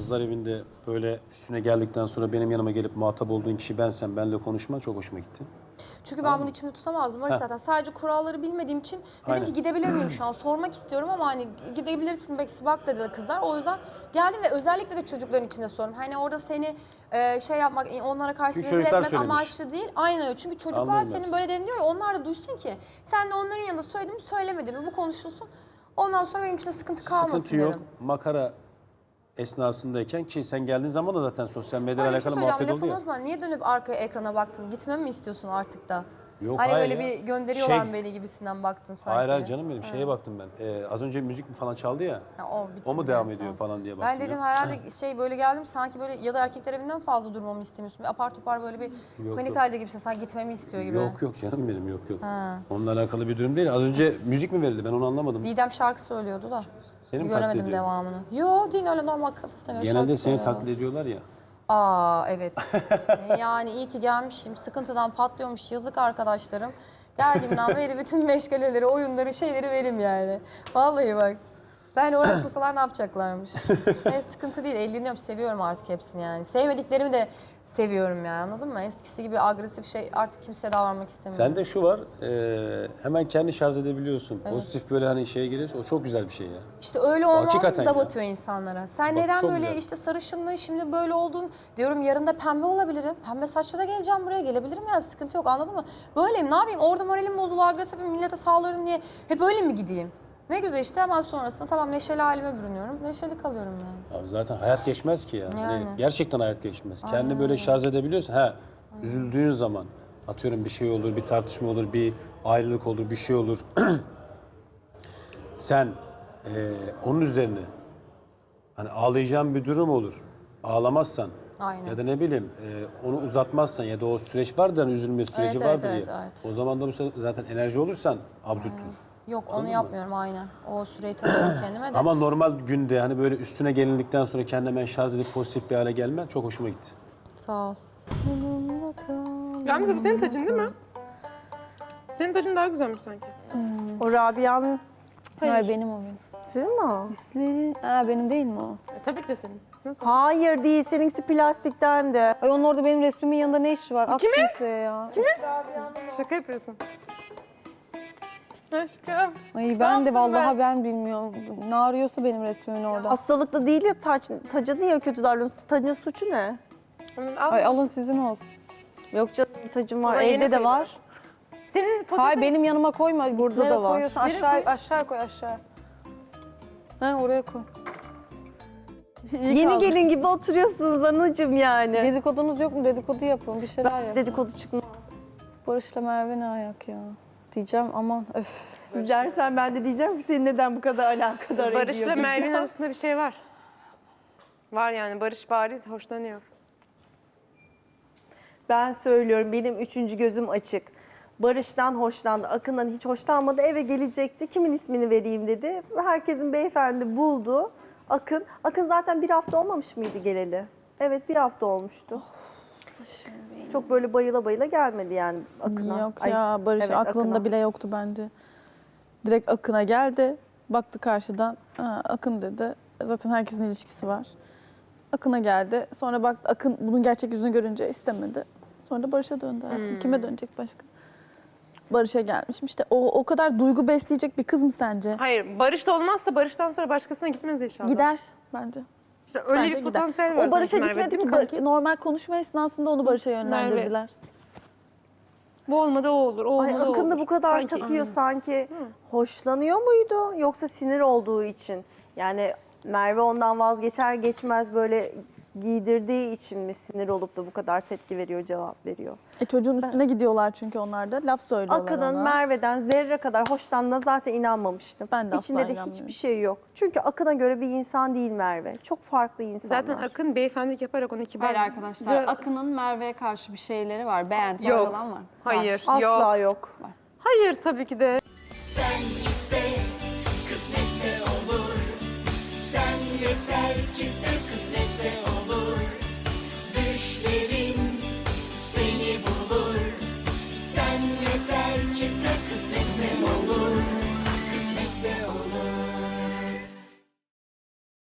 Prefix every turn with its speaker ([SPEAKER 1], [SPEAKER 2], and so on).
[SPEAKER 1] kızlar evinde böyle üstüne geldikten sonra benim yanıma gelip muhatap olduğun kişi bensem, benle konuşman çok hoşuma gitti.
[SPEAKER 2] Çünkü ben bunu içimde tutamazdım. Barış zaten sadece kuralları bilmediğim için dedim
[SPEAKER 1] Aynen.
[SPEAKER 2] ki gidebilir miyim şu an? Sormak istiyorum ama hani gidebilirsin belki bak dediler kızlar. O yüzden geldim ve özellikle de çocukların içinde sordum. Hani orada seni şey yapmak, onlara karşı
[SPEAKER 1] Çünkü
[SPEAKER 2] rezil
[SPEAKER 1] çocuklar
[SPEAKER 2] etmek
[SPEAKER 1] söylemiş.
[SPEAKER 2] amaçlı değil. Aynen öyle. Çünkü çocuklar
[SPEAKER 1] Anlıyorum
[SPEAKER 2] senin
[SPEAKER 1] ben.
[SPEAKER 2] böyle deniliyor ya onlar da duysun ki sen de onların yanında söyledin mi söylemedin mi bu konuşulsun. Ondan sonra benim için de sıkıntı kalmasın
[SPEAKER 1] Sıkıntı yok.
[SPEAKER 2] dedim.
[SPEAKER 1] Makara esnasındayken ki sen geldiğin zaman da zaten sosyal medyayla
[SPEAKER 2] Hani bir şey
[SPEAKER 1] alakalı
[SPEAKER 2] söyleyeceğim.
[SPEAKER 1] muhabbet oldu
[SPEAKER 2] Lafını
[SPEAKER 1] ya.
[SPEAKER 2] unutma. Niye dönüp arkaya ekrana baktın? Gitmemi mi istiyorsun artık da?
[SPEAKER 1] Yok,
[SPEAKER 2] Hani
[SPEAKER 1] hayır
[SPEAKER 2] böyle
[SPEAKER 1] ya.
[SPEAKER 2] bir gönderiyorlar
[SPEAKER 1] Şey-
[SPEAKER 2] beni gibisinden baktın sanki.
[SPEAKER 1] Hayır canım benim şeye baktım ben. Az önce müzik mi falan çaldı ya.
[SPEAKER 2] Ha, o bitti
[SPEAKER 1] O mu
[SPEAKER 2] mi?
[SPEAKER 1] devam ediyor
[SPEAKER 2] Tamam.
[SPEAKER 1] falan diye baktım.
[SPEAKER 2] Ben dedim
[SPEAKER 1] ya.
[SPEAKER 2] herhalde şey böyle geldim sanki böyle ya da erkekler evinden fazla durmamı istemiyorsun. Bir apar topar böyle bir panik
[SPEAKER 1] yok.
[SPEAKER 2] halde gibisin. Sanki gitmemi istiyor gibi.
[SPEAKER 1] Yok canım benim yok. Onunla alakalı bir durum değil. Az önce müzik mi verildi ben onu anlamadım.
[SPEAKER 2] Didem şarkı söylüyordu da.
[SPEAKER 1] Seni mi taklit
[SPEAKER 2] Göremedim
[SPEAKER 1] ediyor?
[SPEAKER 2] devamını. Yo değil öyle normal kafasına göre
[SPEAKER 1] Genelde
[SPEAKER 2] şarkı
[SPEAKER 1] seni
[SPEAKER 2] söylüyordu.
[SPEAKER 1] taklit ediyorlar ya.
[SPEAKER 2] Aa evet. Yani iyi ki gelmişim. Sıkıntıdan patlıyormuş yazık arkadaşlarım. Geldiğimden beri bütün meşgaleleri, oyunları, şeyleri benim yani. Vallahi bak. Ben uğraşmasalar ne yapacaklarmış? Sıkıntı değil, eğleniyorum, seviyorum artık hepsini yani. Sevmediklerimi de seviyorum yani anladın mı? Eskisi gibi agresif şey artık kimseye davranmak istemiyorum.
[SPEAKER 1] Sende şu var, hemen kendi şarj edebiliyorsun. Pozitif böyle hani şeye geliyorsa o çok güzel bir şey ya.
[SPEAKER 2] İşte öyle olmam
[SPEAKER 1] Hakikaten
[SPEAKER 2] da
[SPEAKER 1] ya.
[SPEAKER 2] batıyor insanlara. Sen
[SPEAKER 1] Bak,
[SPEAKER 2] neden
[SPEAKER 1] çok
[SPEAKER 2] böyle
[SPEAKER 1] güzel.
[SPEAKER 2] işte sarışınlığın şimdi böyle oldun diyorum yarın da pembe olabilirim. Pembe saçla da geleceğim buraya gelebilirim yani sıkıntı yok anladın mı? Böyleyim ne yapayım orada moralim bozulu agresifim millete saldırırım diye hep öyle mi gideyim? Ne güzel işte hemen sonrasında tamam neşeli halime bürünüyorum. Neşeli kalıyorum yani.
[SPEAKER 1] Abi zaten hayat geçmez ki ya. Hani
[SPEAKER 2] Yani.
[SPEAKER 1] gerçekten hayat geçmez. Kendini böyle şarj edebiliyorsun. Üzüldüğün zaman atıyorum bir şey olur, bir tartışma olur, bir ayrılık olur, bir şey olur. Sen onun üzerine hani ağlayacağın bir durum olur. Ağlamazsan
[SPEAKER 2] Aynen.
[SPEAKER 1] ya da ne bileyim onu uzatmazsan ya da o süreç vardır hani üzülme süreci
[SPEAKER 2] Evet,
[SPEAKER 1] vardır
[SPEAKER 2] evet,
[SPEAKER 1] ya.
[SPEAKER 2] evet.
[SPEAKER 1] O zaman da bu sefer zaten enerji olursan absürttür.
[SPEAKER 2] Yok onu
[SPEAKER 1] Anladın mı?
[SPEAKER 2] yapmıyorum aynen. O süreyi tanıyorum kendime de.
[SPEAKER 1] Ama normal günde hani böyle üstüne gelindikten sonra kendine hemen şarj edip pozitif bir hale gelmen çok hoşuma gitti.
[SPEAKER 2] Sağ ol.
[SPEAKER 3] Gamze bu senin tacın değil mi? Senin tacın daha güzelmiş sanki.
[SPEAKER 4] O Rabia'nın
[SPEAKER 5] Hayır benim o benim.
[SPEAKER 4] değil mi o?
[SPEAKER 5] Senin, benim değil mi o?
[SPEAKER 3] Tabii ki de senin. Nasıl?
[SPEAKER 4] Hayır değil, seninkisi plastikten de.
[SPEAKER 5] Ay onun orada benim resmimin yanında ne işi var? At şunu şuraya ya.
[SPEAKER 3] Şaka yapıyorsun. Aşkım.
[SPEAKER 5] Ay ben de vallahi ben bilmiyorum. Ne arıyorsa benim resmimin orada.
[SPEAKER 4] Hastalıklı değil ya tacı niye kötü davranıyorsun? Tacın suçu ne?
[SPEAKER 3] Al.
[SPEAKER 5] Ay alın sizin olsun.
[SPEAKER 4] Yok canım tacım var,
[SPEAKER 3] zaman yeni
[SPEAKER 4] evde de
[SPEAKER 3] koydular.
[SPEAKER 4] var.
[SPEAKER 3] Senin fotoğrafın...
[SPEAKER 5] Hayır benim yanıma koyma.
[SPEAKER 4] Burada
[SPEAKER 5] Nereye
[SPEAKER 4] da var.
[SPEAKER 5] koyuyorsun? Aşağı koy aşağı. Ha oraya koy.
[SPEAKER 4] Yeni gelin gibi oturuyorsunuz anacığım yani.
[SPEAKER 5] Dedikodunuz yok mu? Dedikodu yapın. Bir şeyler yapın.
[SPEAKER 4] Dedikodu çıkmaz.
[SPEAKER 5] Barış'la Merve ne ayak ya? Diyeceğim aman öf.
[SPEAKER 4] Dersen ben de diyeceğim ki senin neden bu kadar alakadar ediyor
[SPEAKER 3] Barış'la
[SPEAKER 4] diyeceğim.
[SPEAKER 3] Merve'nin arasında bir şey var. Var yani Barış bariz hoşlanıyor.
[SPEAKER 4] Ben söylüyorum benim üçüncü gözüm açık. Barış'tan hoşlandı, Akın'dan hiç hoşlanmadı. Eve gelecekti. Kimin ismini vereyim dedi. Herkesin beyefendi buldu. Akın. Akın zaten bir hafta olmamış mıydı geleli? Evet bir hafta olmuştu. Çok böyle bayıla bayıla gelmedi yani Akın'a.
[SPEAKER 6] Yok
[SPEAKER 4] Ay,
[SPEAKER 6] ya Barış
[SPEAKER 4] evet,
[SPEAKER 6] aklında
[SPEAKER 4] Akın'a.
[SPEAKER 6] bile yoktu bence. Direkt Akın'a geldi. Baktı karşıdan. Ha, Akın dedi. Zaten herkesin ilişkisi var. Akın'a geldi. Sonra baktı Akın bunun gerçek yüzünü görünce istemedi. Sonra da Barış'a döndü hayatım. Kime dönecek başka? Barış'a gelmişim. İşte o kadar duygu besleyecek bir kız mı sence?
[SPEAKER 3] Hayır Barış da olmazsa Barış'tan sonra başkasına gitmez inşallah.
[SPEAKER 6] Gider bence.
[SPEAKER 3] İşte öyle
[SPEAKER 6] Bence
[SPEAKER 3] bir
[SPEAKER 6] gider.
[SPEAKER 3] potansiyel var
[SPEAKER 6] O Barış'a
[SPEAKER 3] sanki Merve,
[SPEAKER 6] gitmedi
[SPEAKER 3] değil
[SPEAKER 6] ki.
[SPEAKER 3] mi kanki?
[SPEAKER 6] Normal konuşma esnasında onu Barış'a yönlendirdiler.
[SPEAKER 3] Bu olmadı o olur, o
[SPEAKER 4] Ay
[SPEAKER 3] olmadı o
[SPEAKER 4] Akın da
[SPEAKER 3] olur.
[SPEAKER 4] bu kadar
[SPEAKER 3] Sanki.
[SPEAKER 4] takıyor sanki. Hoşlanıyor muydu yoksa sinir olduğu için? Yani Merve ondan vazgeçer geçmez böyle giydirdiği için mi sinir olup da bu kadar tepki veriyor, cevap veriyor?
[SPEAKER 6] Çocuğun üstüne gidiyorlar çünkü onlar da. Laf söylüyorlar
[SPEAKER 4] Akın'ın
[SPEAKER 6] ona.
[SPEAKER 4] Merve'den zerre kadar hoşlandığına zaten inanmamıştım.
[SPEAKER 6] Ben de asla
[SPEAKER 4] İçinde de
[SPEAKER 6] inanmıyorum.
[SPEAKER 4] hiçbir şey yok. Çünkü Akın'a göre bir insan değil Merve. Çok farklı insanlar.
[SPEAKER 3] Zaten Akın beyefendilik yaparak onu kibar...
[SPEAKER 5] Hayır arkadaşlar Akın'ın Merve'ye karşı bir şeyleri var. Beğentisi
[SPEAKER 3] Yok.
[SPEAKER 5] falan var.
[SPEAKER 3] Hayır,
[SPEAKER 4] Asla
[SPEAKER 3] yok.
[SPEAKER 4] yok.
[SPEAKER 3] Hayır tabii ki de.
[SPEAKER 7] Sen iste, kısmetse olur. Sen yeter ki sev, kısmet